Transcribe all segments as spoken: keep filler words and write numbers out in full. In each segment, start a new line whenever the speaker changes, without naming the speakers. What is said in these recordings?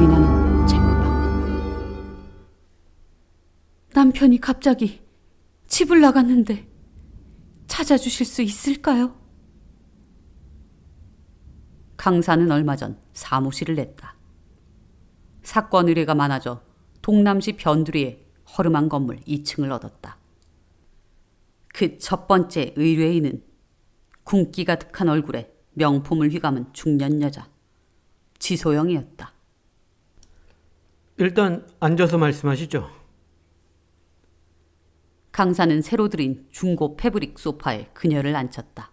소리나는 쟁반. 남편이 갑자기 집을 나갔는데 찾아주실 수 있을까요? 강사는 얼마 전 사무실을 냈다. 사건 의뢰가 많아져 동남시 변두리의 허름한 건물 이 층을 얻었다. 그 첫 번째 의뢰인은 굶기 가득한 얼굴에 명품을 휘감은 중년 여자 지소영이었다.
일단 앉아서 말씀하시죠.
강사는 새로 들인 중고 패브릭 소파에 그녀를 앉혔다.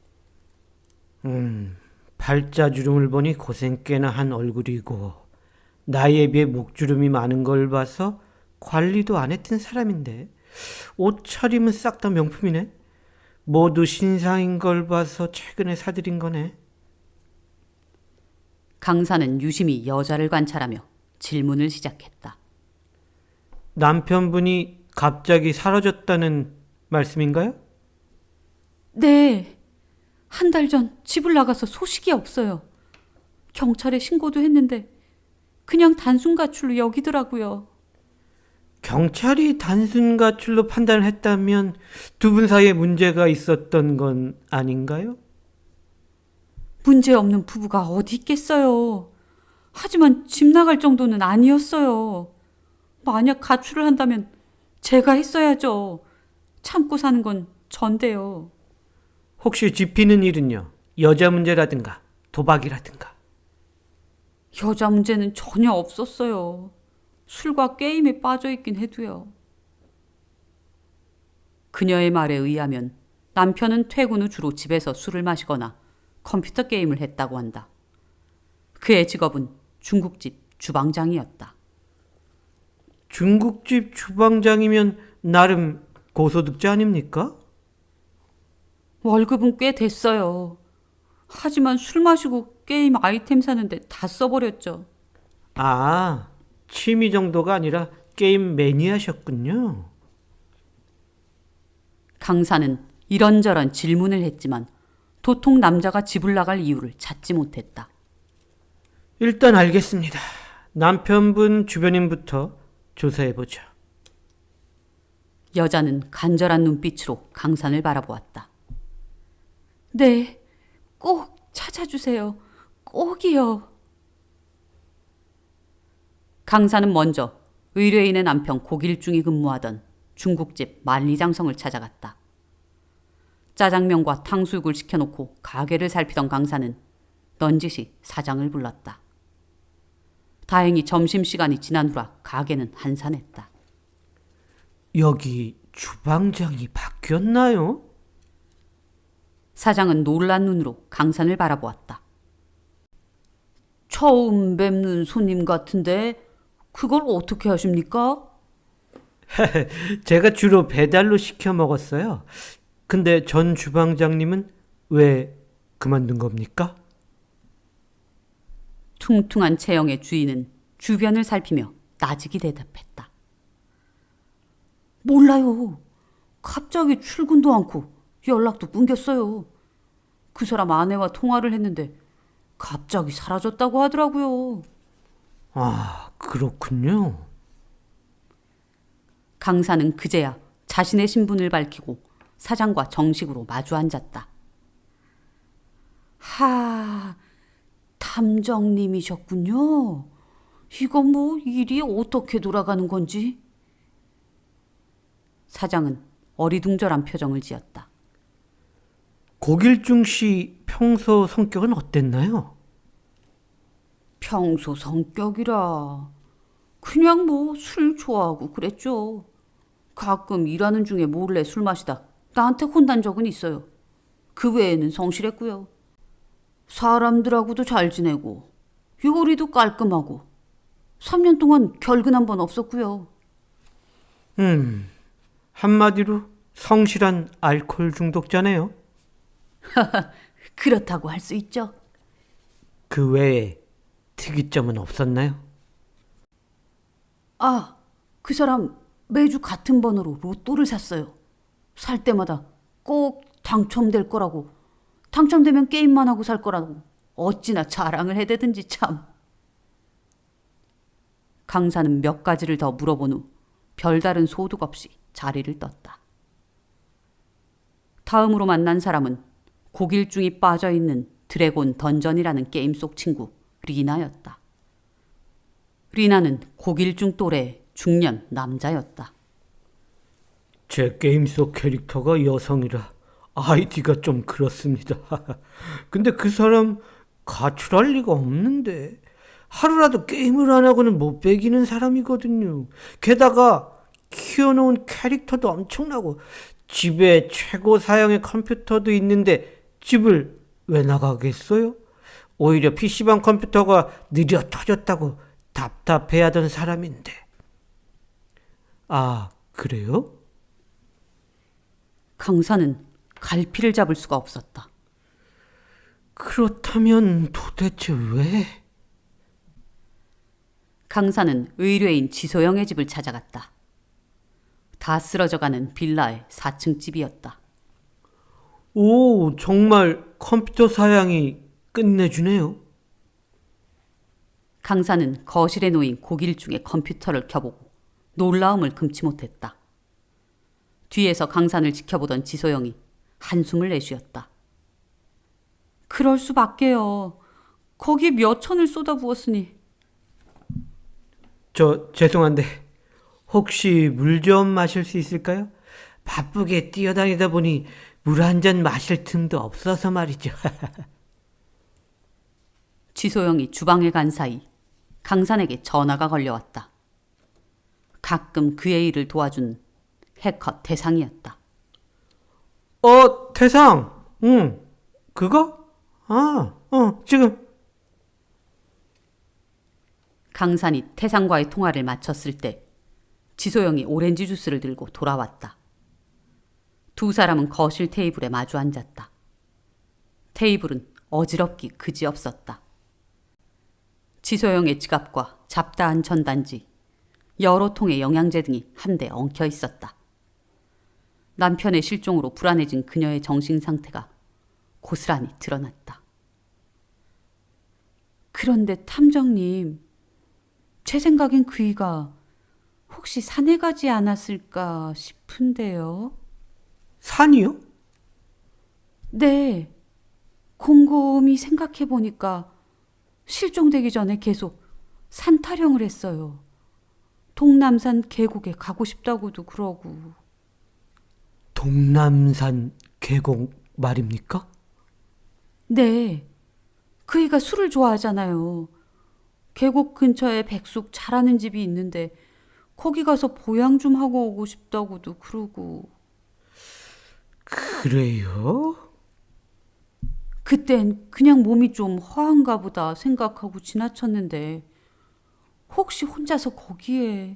음, 팔자주름을 보니 고생 꽤나 한 얼굴이고 나이에 비해 목주름이 많은 걸 봐서 관리도 안 했던 사람인데 옷차림은 싹 다 명품이네. 모두 신상인 걸 봐서 최근에 사들인 거네.
강사는 유심히 여자를 관찰하며 질문을 시작했다.
남편분이 갑자기 사라졌다는 말씀인가요?
네, 한 달 전 집을 나가서 소식이 없어요. 경찰에 신고도 했는데 그냥 단순 가출로 여기더라고요.
경찰이 단순 가출로 판단을 했다면 두 분 사이에 문제가 있었던 건 아닌가요?
문제없는 부부가 어디 있겠어요. 하지만 집 나갈 정도는 아니었어요. 만약 가출을 한다면 제가 했어야죠. 참고 사는 건 전데요.
혹시 짚히는 일은요? 여자 문제라든가 도박이라든가.
여자 문제는 전혀 없었어요. 술과 게임에 빠져있긴 해도요. 그녀의 말에 의하면 남편은 퇴근 후 주로 집에서 술을 마시거나 컴퓨터 게임을 했다고 한다. 그의 직업은 중국집 주방장이었다.
중국집 주방장이면 나름 고소득자 아닙니까?
월급은 꽤 됐어요. 하지만 술 마시고 게임 아이템 사는데 다 써버렸죠.
아, 취미 정도가 아니라 게임 매니아셨군요.
강사는 이런저런 질문을 했지만 도통 남자가 집을 나갈 이유를 찾지 못했다.
일단 알겠습니다. 남편분 주변인부터 조사해보죠.
여자는 간절한 눈빛으로 강산을 바라보았다. 네, 꼭 찾아주세요. 꼭이요. 강사는 먼저 의뢰인의 남편 고길중이 근무하던 중국집 만리장성을 찾아갔다. 짜장면과 탕수육을 시켜놓고 가게를 살피던 강사는 넌지시 사장을 불렀다. 다행히 점심시간이 지난 후라 가게는 한산했다.
여기 주방장이 바뀌었나요?
사장은 놀란 눈으로 강산을 바라보았다. 처음 뵙는 손님 같은데 그걸 어떻게 하십니까?
제가 주로 배달로 시켜 먹었어요. 근데 전 주방장님은 왜 그만둔 겁니까?
퉁퉁한 체형의 주인은 주변을 살피며 나직이 대답했다. 몰라요. 갑자기 출근도 않고 연락도 끊겼어요. 그 사람 아내와 통화를 했는데 갑자기 사라졌다고 하더라고요.
아, 그렇군요.
강사는 그제야 자신의 신분을 밝히고 사장과 정식으로 마주 앉았다. 하, 탐정님이셨군요. 이건 뭐 일이 어떻게 돌아가는 건지. 사장은 어리둥절한 표정을 지었다.
고길중 씨 평소 성격은 어땠나요?
평소 성격이라 그냥 뭐 술 좋아하고 그랬죠. 가끔 일하는 중에 몰래 술 마시다 나한테 혼난 적은 있어요. 그 외에는 성실했고요. 사람들하고도 잘 지내고 요리도 깔끔하고 삼 년 동안 결근 한 번 없었고요.
음, 한마디로 성실한 알코올 중독자네요.
그렇다고 할 수 있죠.
그 외에 특이점은 없었나요?
아, 그 사람 매주 같은 번호로 로또를 샀어요. 살 때마다 꼭 당첨될 거라고, 당첨되면 게임만 하고 살 거라고 어찌나 자랑을 해대든지 참. 강사는 몇 가지를 더 물어본 후 별다른 소득 없이 자리를 떴다. 다음으로 만난 사람은 고길중이 빠져있는 드래곤 던전이라는 게임 속 친구 리나였다. 리나는 고길중 또래의 중년 남자였다.
제 게임 속 캐릭터가 여성이라 아이디가 좀 그렇습니다. 근데 그 사람 가출할 리가 없는데 하루라도 게임을 안 하고는 못 배기는 사람이거든요. 게다가 키워놓은 캐릭터도 엄청나고 집에 최고 사양의 컴퓨터도 있는데 집을 왜 나가겠어요? 오히려 피시방 컴퓨터가 느려 터졌다고 답답해하던 사람인데. 아, 그래요?
강사는 갈피를 잡을 수가 없었다.
그렇다면 도대체 왜?
강사는 의뢰인 지소영의 집을 찾아갔다. 다 쓰러져가는 빌라의 사 층 집이었다.
오, 정말 컴퓨터 사양이 끝내주네요.
강사는 거실에 놓인 고길중의 컴퓨터를 켜보고 놀라움을 금치 못했다. 뒤에서 강산을 지켜보던 지소영이 한숨을 내쉬었다. 그럴 수밖에요. 거기에 몇 천을 쏟아부었으니.
저 죄송한데 혹시 물 좀 마실 수 있을까요? 바쁘게 뛰어다니다 보니 물 한 잔 마실 틈도 없어서 말이죠.
지소영이 주방에 간 사이 강산에게 전화가 걸려왔다. 가끔 그의 일을 도와준 해커 태상이었다.
어, 태상. 응. 그거? 아, 어, 지금.
강산이 태상과의 통화를 마쳤을 때 지소영이 오렌지 주스를 들고 돌아왔다. 두 사람은 거실 테이블에 마주 앉았다. 테이블은 어지럽기 그지없었다. 지소영의 지갑과 잡다한 전단지, 여러 통의 영양제 등이 한데 엉켜 있었다. 남편의 실종으로 불안해진 그녀의 정신 상태가 고스란히 드러났다. 그런데 탐정님, 제 생각엔 그이가 혹시 산에 가지 않았을까 싶은데요.
산이요?
네, 곰곰이 생각해보니까 실종되기 전에 계속 산 타령을 했어요. 동남산 계곡에 가고 싶다고도 그러고.
동남산 계곡 말입니까?
네, 그이가 술을 좋아하잖아요. 계곡 근처에 백숙 잘하는 집이 있는데 거기 가서 보양 좀 하고 오고 싶다고도 그러고.
그래요?
그땐 그냥 몸이 좀 허한가 보다 생각하고 지나쳤는데 혹시 혼자서 거기에.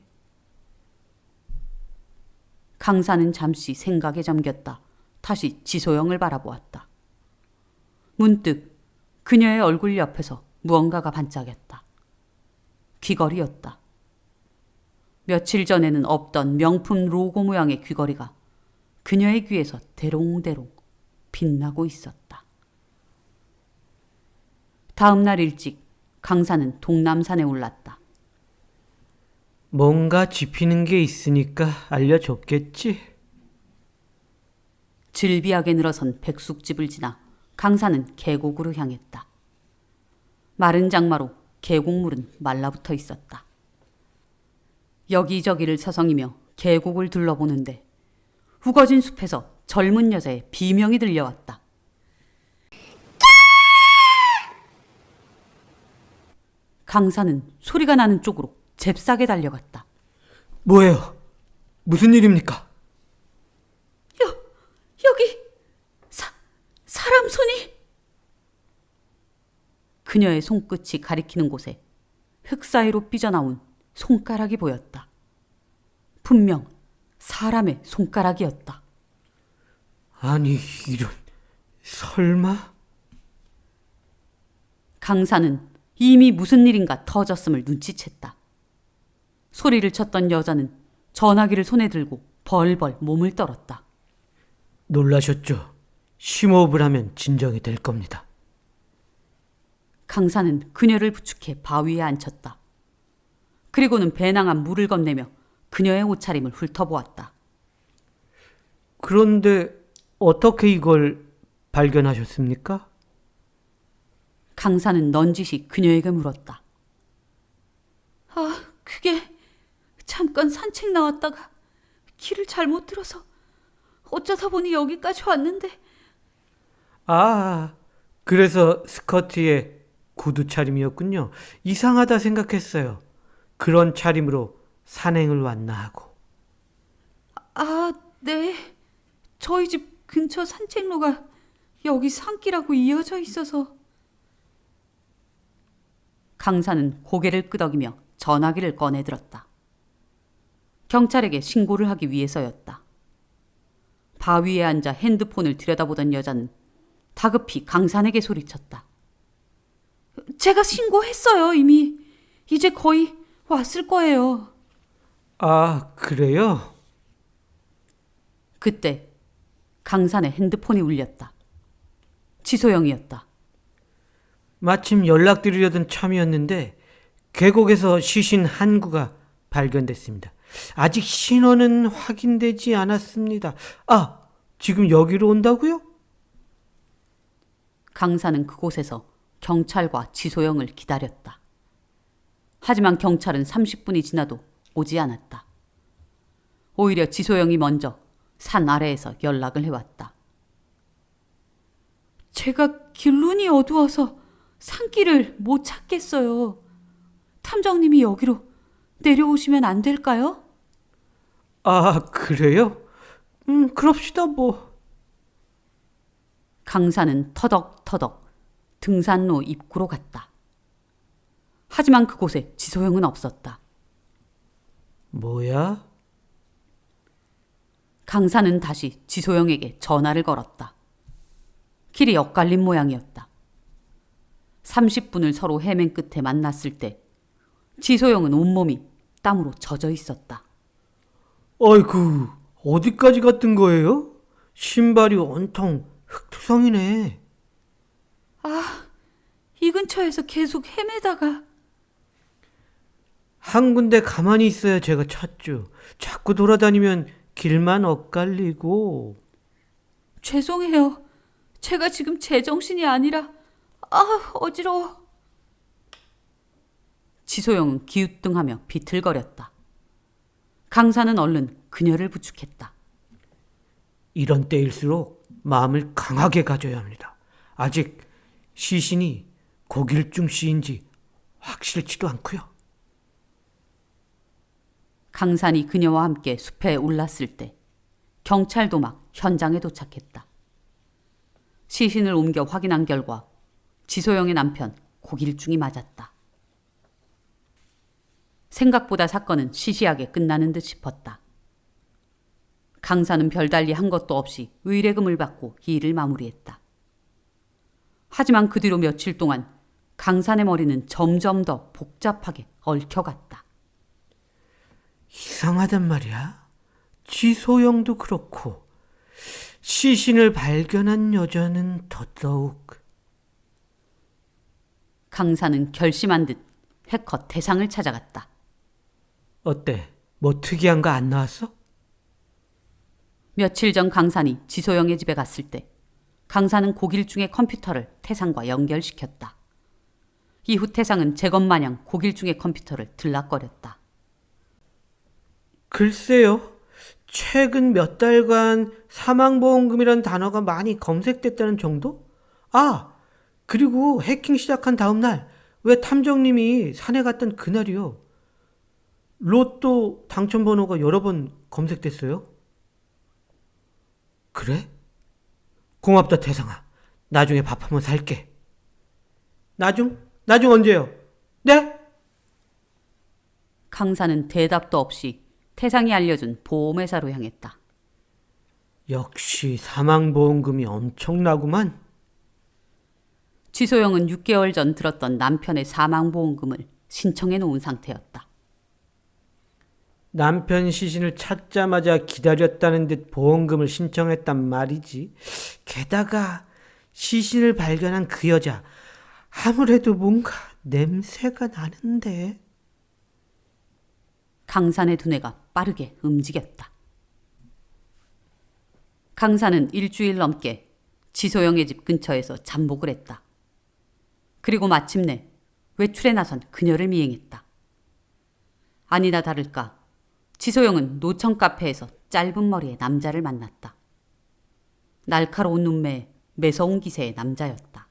강사는 잠시 생각에 잠겼다. 다시 지소영을 바라보았다. 문득 그녀의 얼굴 옆에서 무언가가 반짝였다. 귀걸이였다. 며칠 전에는 없던 명품 로고 모양의 귀걸이가 그녀의 귀에서 대롱대롱 빛나고 있었다. 다음 날 일찍 강사는 동남산에 올랐다.
뭔가 짚히는 게 있으니까 알려줬겠지?
질비하게 늘어선 백숙집을 지나 강사는 계곡으로 향했다. 마른 장마로 계곡물은 말라붙어 있었다. 여기저기를 서성이며 계곡을 둘러보는데 우거진 숲에서 젊은 여자의 비명이 들려왔다. 강사는 소리가 나는 쪽으로 잽싸게 달려갔다.
뭐예요? 무슨 일입니까?
여, 여기 사, 사람 손이. 그녀의 손끝이 가리키는 곳에 흙 사이로 삐져나온 손가락이 보였다. 분명 사람의 손가락이었다.
아니, 이런... 설마?
강사는 이미 무슨 일인가 터졌음을 눈치챘다. 소리를 쳤던 여자는 전화기를 손에 들고 벌벌 몸을 떨었다.
놀라셨죠? 심호흡을 하면 진정이 될 겁니다.
강사는 그녀를 부축해 바위에 앉혔다. 그리고는 배낭한 물을 건네며 그녀의 옷차림을 훑어보았다.
그런데 어떻게 이걸 발견하셨습니까?
강사는 넌지시 그녀에게 물었다. 아, 그게 잠깐 산책 나왔다가 길을 잘못 들어서 어쩌다 보니 여기까지 왔는데.
아, 그래서 스커트에 구두 차림이었군요. 이상하다 생각했어요. 그런 차림으로 산행을 왔나 하고.
아, 네. 저희 집 근처 산책로가 여기 산길하고 이어져 있어서. 강사는 고개를 끄덕이며 전화기를 꺼내들었다. 경찰에게 신고를 하기 위해서였다. 바위에 앉아 핸드폰을 들여다보던 여자는 다급히 강산에게 소리쳤다. 제가 신고했어요, 이미. 이제 거의 왔을 거예요.
아, 그래요?
그때 강산의 핸드폰이 울렸다. 지소영이었다.
마침 연락드리려던 참이었는데 계곡에서 시신 한 구가 발견됐습니다. 아직 신원은 확인되지 않았습니다. 아, 지금 여기로 온다고요?
강사는 그곳에서 경찰과 지소영을 기다렸다. 하지만 경찰은 삼십 분이 지나도 오지 않았다. 오히려 지소영이 먼저 산 아래에서 연락을 해왔다. 제가 길눈이 어두워서 산길을 못 찾겠어요. 탐정님이 여기로 내려오시면 안 될까요?
아, 그래요? 음, 그럽시다 뭐.
강사는 터덕터덕 등산로 입구로 갔다. 하지만 그곳에 지소영은 없었다.
뭐야?
강사는 다시 지소영에게 전화를 걸었다. 길이 엇갈린 모양이었다. 삼십 분을 서로 헤맨 끝에 만났을 때 지소영은 온몸이 땀으로 젖어 있었다.
아이고, 어디까지 갔던 거예요? 신발이 온통 흙투성이네.
아, 이 근처에서 계속 헤매다가.
한 군데 가만히 있어야 제가 찾죠. 자꾸 돌아다니면 길만 엇갈리고.
죄송해요. 제가 지금 제정신이 아니라. 아, 어지러워. 지소영은 기우뚱하며 비틀거렸다. 강사는 얼른 그녀를 부축했다.
이런 때일수록 마음을 강하게 가져야 합니다. 아직 시신이 고길중 씨인지 확실치도 않고요.
강산이 그녀와 함께 숲에 올랐을 때 경찰도 막 현장에 도착했다. 시신을 옮겨 확인한 결과 지소영의 남편 고길중이 맞았다. 생각보다 사건은 시시하게 끝나는 듯 싶었다. 강사는 별달리 한 것도 없이 의뢰금을 받고 일을 마무리했다. 하지만 그 뒤로 며칠 동안 강산의 머리는 점점 더 복잡하게 얽혀갔다.
이상하단 말이야. 지소영도 그렇고 시신을 발견한 여자는 더더욱.
강사는 결심한 듯 해커 태상을 찾아갔다.
어때? 뭐 특이한 거 안 나왔어?
며칠 전 강산이 지소영의 집에 갔을 때 강산은 고길중의 컴퓨터를 태상과 연결시켰다. 이후 태상은 제것마냥 고길중의 컴퓨터를 들락거렸다.
글쎄요. 최근 몇 달간 사망보험금이란 단어가 많이 검색됐다는 정도? 아, 그리고 해킹 시작한 다음 날, 왜 탐정님이 산에 갔던 그날이요. 로또 당첨번호가 여러 번 검색됐어요. 그래? 고맙다 태상아. 나중에 밥 한번 살게. 나중? 나중 언제요? 네?
강산은 대답도 없이 태상이 알려준 보험회사로 향했다.
역시 사망보험금이 엄청나구만.
지소영은 육 개월 전 들었던 남편의 사망보험금을 신청해 놓은 상태였다.
남편 시신을 찾자마자 기다렸다는 듯 보험금을 신청했단 말이지. 게다가 시신을 발견한 그 여자, 아무래도 뭔가 냄새가 나는데.
강산의 두뇌가 빠르게 움직였다. 강산은 일주일 넘게 지소영의 집 근처에서 잠복을 했다. 그리고 마침내 외출에 나선 그녀를 미행했다. 아니나 다를까 지소영은 노천 카페에서 짧은 머리의 남자를 만났다. 날카로운 눈매에 매서운 기세의 남자였다.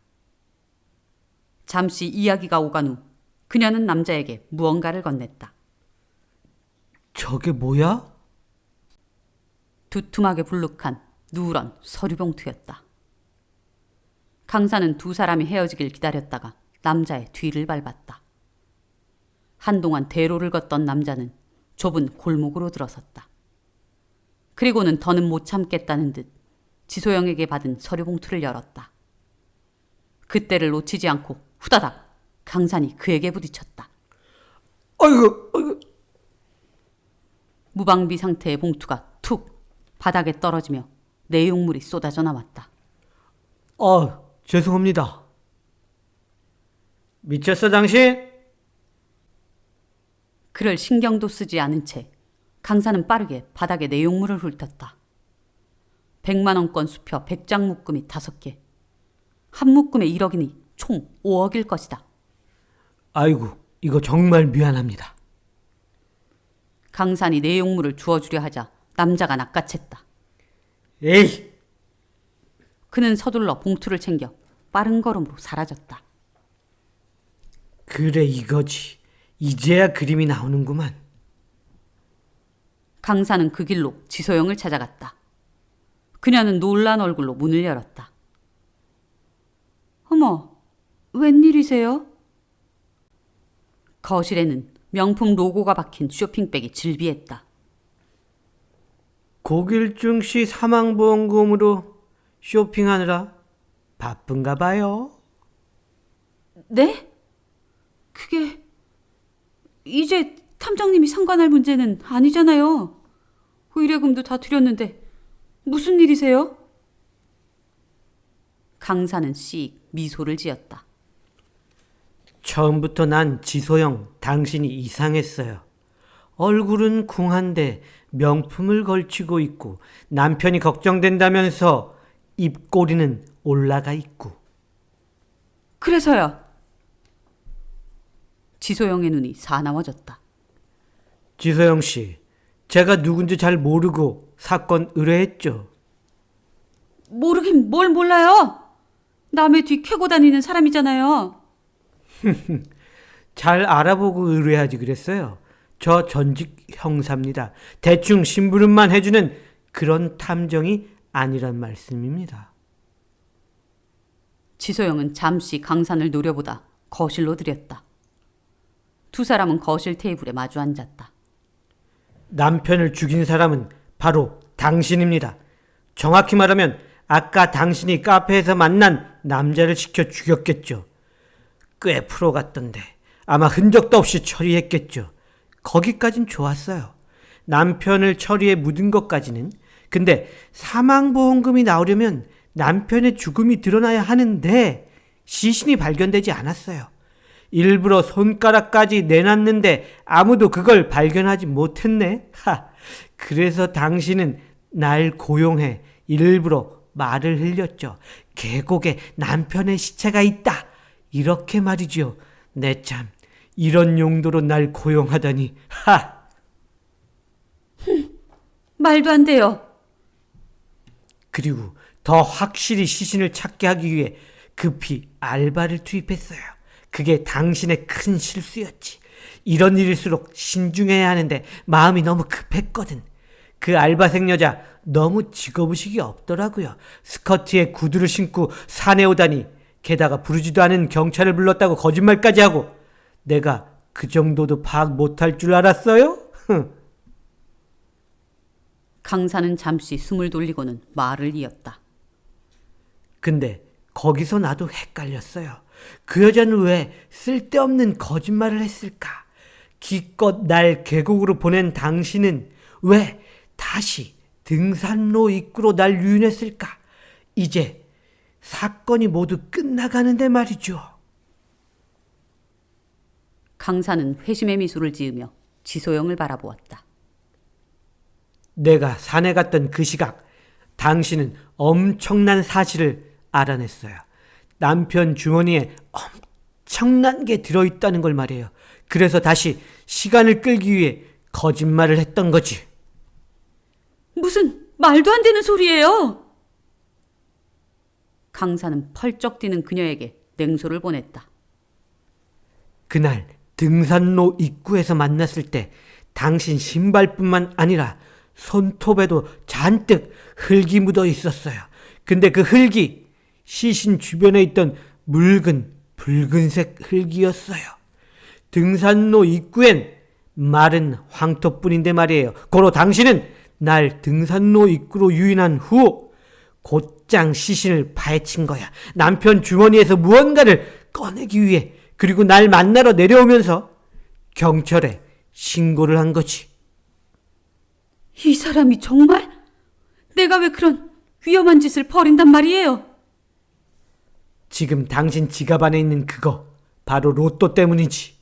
잠시 이야기가 오간 후 그녀는 남자에게 무언가를 건넸다.
저게 뭐야?
두툼하게 불룩한 누런 서류봉투였다. 강사는 두 사람이 헤어지길 기다렸다가 남자의 뒤를 밟았다. 한동안 대로를 걷던 남자는 좁은 골목으로 들어섰다. 그리고는 더는 못 참겠다는 듯 지소영에게 받은 서류봉투를 열었다. 그때를 놓치지 않고 후다닥 강산이 그에게 부딪혔다.
아이고, 아이고.
무방비 상태의 봉투가 툭 바닥에 떨어지며 내용물이 쏟아져 나왔다.
아, 죄송합니다. 미쳤어, 당신?
그를 신경도 쓰지 않은 채 강사는 빠르게 바닥에 내용물을 훑었다. 백만 원권 수표 백 장 묶음이 다섯 개. 한 묶음에 일억이니 총 오억일 것이다.
아이고, 이거 정말 미안합니다.
강산이 내용물을 주워주려 하자 남자가 낚아챘다.
에이!
그는 서둘러 봉투를 챙겨 빠른 걸음으로 사라졌다.
그래, 이거지. 이제야 그림이 나오는구만.
강산은 그 길로 지소영을 찾아갔다. 그녀는 놀란 얼굴로 문을 열었다. 어머, 웬일이세요? 거실에는 명품 로고가 박힌 쇼핑백이 질비했다.
고길중 씨 사망보험금으로 쇼핑하느라 바쁜가 봐요.
네? 그게 이제 탐정님이 상관할 문제는 아니잖아요. 의뢰금도 다 드렸는데 무슨 일이세요? 강사는 씩 미소를 지었다.
처음부터 난 지소영, 당신이 이상했어요. 얼굴은 궁한데 명품을 걸치고 있고 남편이 걱정된다면서 입꼬리는 올라가 있고.
그래서요. 지소영의 눈이 사나워졌다.
지소영 씨, 제가 누군지 잘 모르고 사건 의뢰했죠.
모르긴 뭘 몰라요. 남의 뒤 캐고 다니는 사람이잖아요.
잘 알아보고 의뢰하지 그랬어요. 저 전직 형사입니다. 대충 심부름만 해주는 그런 탐정이 아니란 말씀입니다.
지소영은 잠시 강산을 노려보다 거실로 들였다. 두 사람은 거실 테이블에 마주 앉았다.
남편을 죽인 사람은 바로 당신입니다. 정확히 말하면 아까 당신이 카페에서 만난 남자를 시켜 죽였겠죠. 꽤 프로 같던데 아마 흔적도 없이 처리했겠죠. 거기까진 좋았어요. 남편을 처리해 묻은 것까지는. 근데 사망보험금이 나오려면 남편의 죽음이 드러나야 하는데 시신이 발견되지 않았어요. 일부러 손가락까지 내놨는데 아무도 그걸 발견하지 못했네. 하, 그래서 당신은 날 고용해 일부러 말을 흘렸죠. 계곡에 남편의 시체가 있다. 이렇게 말이지요. 내 참, 이런 용도로 날 고용하다니. 하!
말도 안 돼요.
그리고 더 확실히 시신을 찾게 하기 위해 급히 알바를 투입했어요. 그게 당신의 큰 실수였지. 이런 일일수록 신중해야 하는데 마음이 너무 급했거든. 그 알바생 여자 너무 직업의식이 없더라고요. 스커트에 구두를 신고 산에 오다니, 게다가 부르지도 않은 경찰을 불렀다고 거짓말까지 하고. 내가 그 정도도 파악 못할 줄 알았어요?
강사는 잠시 숨을 돌리고는 말을 이었다.
근데 거기서 나도 헷갈렸어요. 그 여자는 왜 쓸데없는 거짓말을 했을까? 기껏 날 계곡으로 보낸 당신은 왜 다시 등산로 입구로 날 유인했을까? 이제 사건이 모두 끝나가는데 말이죠.
강사는 회심의 미소를 지으며 지소영을 바라보았다.
내가 산에 갔던 그 시각, 당신은 엄청난 사실을 알아냈어요. 남편 주머니에 엄청난 게 들어있다는 걸 말이에요. 그래서 다시 시간을 끌기 위해 거짓말을 했던 거지.
무슨 말도 안 되는 소리예요. 강사는 펄쩍 뛰는 그녀에게 냉소를 보냈다.
그날 등산로 입구에서 만났을 때 당신 신발뿐만 아니라 손톱에도 잔뜩 흙이 묻어 있었어요. 근데 그 흙이 시신 주변에 있던 묽은 붉은색 흙이었어요. 등산로 입구엔 마른 황토뿐인데 말이에요. 고로 당신은 날 등산로 입구로 유인한 후 곧장 시신을 파헤친 거야. 남편 주머니에서 무언가를 꺼내기 위해. 그리고 날 만나러 내려오면서 경찰에 신고를 한 거지.
이 사람이 정말? 내가 왜 그런 위험한 짓을 벌인단 말이에요?
지금 당신 지갑 안에 있는 그거 바로 로또 때문이지.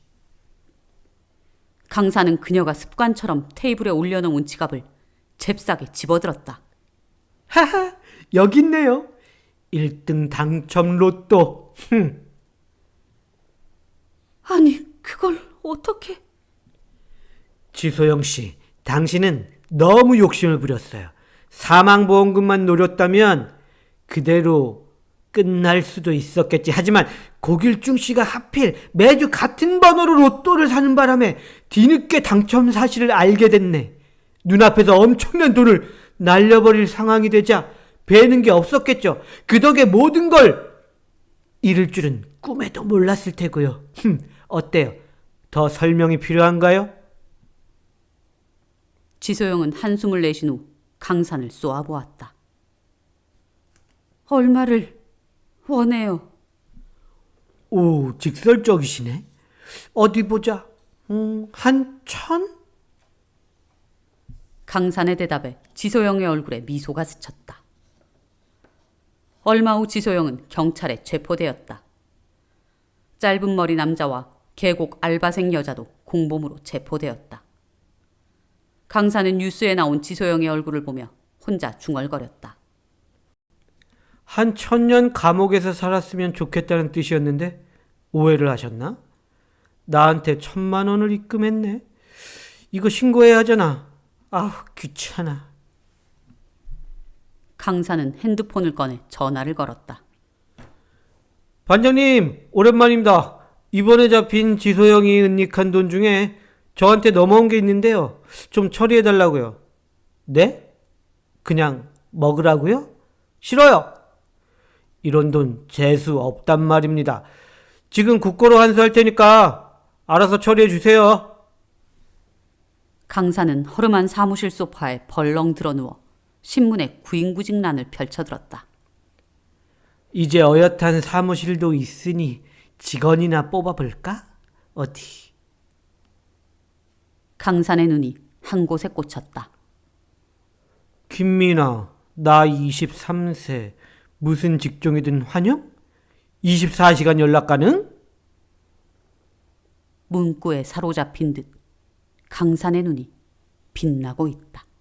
강사는 그녀가 습관처럼 테이블에 올려놓은 지갑을 잽싸게 집어들었다.
하하, 여기 있네요. 일 등 당첨 로또. 흠.
아니, 그걸 어떻게...
지소영 씨, 당신은 너무 욕심을 부렸어요. 사망보험금만 노렸다면 그대로 끝날 수도 있었겠지. 하지만 고길중 씨가 하필 매주 같은 번호로 로또를 사는 바람에 뒤늦게 당첨 사실을 알게 됐네. 눈앞에서 엄청난 돈을 날려버릴 상황이 되자 배는 게 없었겠죠. 그 덕에 모든 걸 잃을 줄은 꿈에도 몰랐을 테고요. 흠, 어때요? 더 설명이 필요한가요?
지소영은 한숨을 내쉰 후 강산을 쏘아보았다. 얼마를 원해요?
오, 직설적이시네. 어디 보자. 음, 한 천?
강산의 대답에 지소영의 얼굴에 미소가 스쳤다. 얼마 후 지소영은 경찰에 체포되었다. 짧은 머리 남자와 계곡 알바생 여자도 공범으로 체포되었다. 강사는 뉴스에 나온 지소영의 얼굴을 보며 혼자 중얼거렸다.
한 천년 감옥에서 살았으면 좋겠다는 뜻이었는데 오해를 하셨나? 나한테 천만 원을 입금했네. 이거 신고해야 하잖아. 아우, 귀찮아.
강사는 핸드폰을 꺼내 전화를 걸었다.
반장님, 오랜만입니다. 이번에 잡힌 지소영이 은닉한 돈 중에 저한테 넘어온 게 있는데요. 좀 처리해달라고요. 네? 그냥 먹으라고요? 싫어요. 이런 돈 재수 없단 말입니다. 지금 국고로 환수할 테니까 알아서 처리해 주세요.
강사는 허름한 사무실 소파에 벌렁 드러누워 신문에 구인구직란을 펼쳐들었다.
이제 어엿한 사무실도 있으니 직원이나 뽑아볼까? 어디?
강산의 눈이 한 곳에 꽂혔다.
김민아, 나 이십삼 세. 무슨 직종이든 환영? 이십사 시간 연락 가능?
문구에 사로잡힌 듯 강산의 눈이 빛나고 있다.